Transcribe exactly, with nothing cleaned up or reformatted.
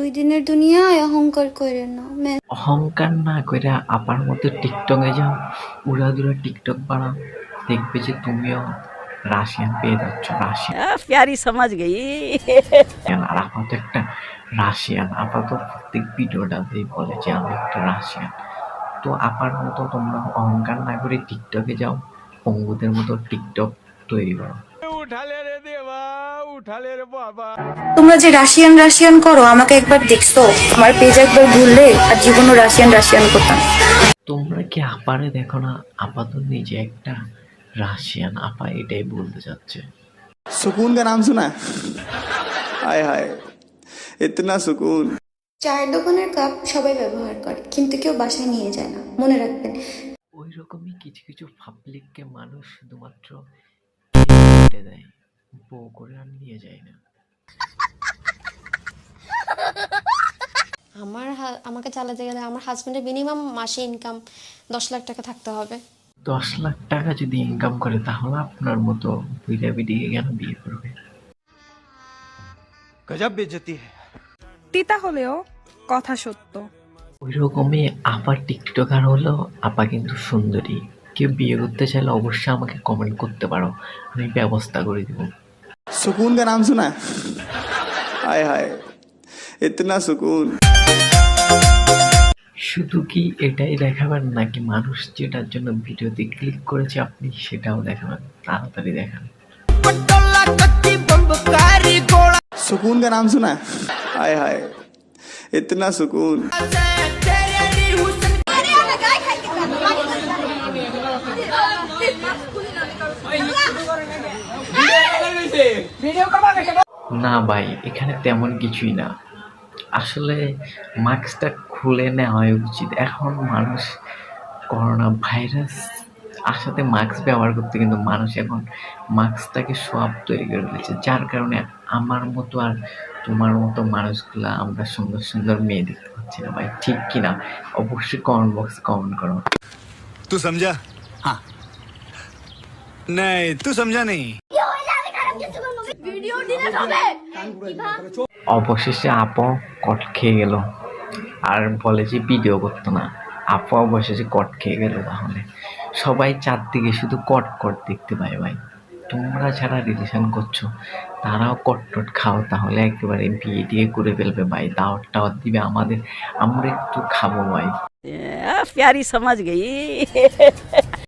দিনের দুনিয়ায় অহংকার করে না। অহংকার না কইরা আপার মতো টিকটকে যাও, উড়াদুরা টিকটক বানাও, দেখবে যে তুমিও রাশিয়ান পেয়ে যাচ্ছ। রাশিয়ান प्यारी समझ गई। আর আপা তো একটা রাশিয়ান। আপা তো প্রত্যেক ভিডিওটাতেই বলে যে আমি একটা রাশিয়ান। তো আপার মতো তোমরা অহংকার না করে টিকটকে যাও, পঙ্গুদের মতো টিকটক তৈরি করো। তোমরা যে রাশিয়ান রাশিয়ান করো, আমাকে একবার দেখছো? আমার পেজ একবার ঘুরলে আর জীবনও রাশিয়ান রাশিয়ান করতাম। তোমরা কি আপারে দেখো না? আপা তো নিজে একটা রাশিয়ান। আপা এটাই বলতে চাচ্ছে। सुकून का नाम सुना है? हाय हाय इतना सुकून। চায়ের দোকানের কাপ সবাই ব্যবহার করে, কিন্তু কেউ বাসায় নিয়ে যায় না, মনে রাখবেন। ওই রকমই কিছু কিছু পাবলিককে মানুষ শুধুমাত্র কেটে দেয়, বউ করে আর নিয়ে যায় না। আমার হা- আমাকে চালাতে গেলে আমার হাজবেন্ডের মিনিমাম মাসে ইনকাম দশ লাখ টাকা থাকতে হবে। দশ লাখ টাকা যদি ইনকাম করে তাহলে আপনার মতো বুইড়া বিডিকে কেন বিয়ে করবে? गजब बेइज्जती है। তিতা হলেও কথা সত্য। ওই রকমই আপা টিকটকার হলেও আপা কিন্তু সুন্দরী। কেউ বিয়ে করতে চাইলে অবশ্যই আমাকে কমেন্ট করতে পারো, আমি ব্যবস্থা করে দিব। सुकून का नाम सुना है? हाय हाय इतना सुकून। শুধু কি এটাই দেখাবেন নাকি মানুষ যেটার জন্য ভিডিওতে ক্লিক করেছে আপনি সেটাও দেখাবেন? তাড়াতাড়ি দেখান। सुकून का नाम सुना है? हाय हाय इतना सुकून। না ভাই, এখানে তেমন কিছুই না। আসলে মাস্কটা খুলে নেওয়া উচিত। এখন মানুষ করোনা ভাইরাস আসাতে মাস্ক ব্যবহার করতে, কিন্তু মানুষ এখন মাস্কটাকে সব তৈরি করে ফেলেছে, যার কারণে আমার মতো আর তোমার মতো মানুষগুলা আমরা সুন্দর সুন্দর মেয়ে দেখতে পাচ্ছি না। ভাই ঠিক কিনা? অবশ্যই কমেন্ট বক্সে কমেন্ট করো। तू समझा? हाँ नहीं तू समझा नहीं। অবশেষে আপা কট খেয়ে গেল আর বলে যে ভিডিও করতো না। আপা অবশেষে কট খেয়ে গেল। তাহলে সবাই চারদিকে শুধু কট কট দেখতে পায়। ভাই তোমরা যারা রিলেশন করছো তারাও কট টট খাও, তাহলে একেবারে বিয়ে টিয়ে করে ফেলবে ভাই। দাওয়াত টাওয়াত দিবে আমাদের, আমরা একটু খাবো ভাই। प्यारी समझ गई।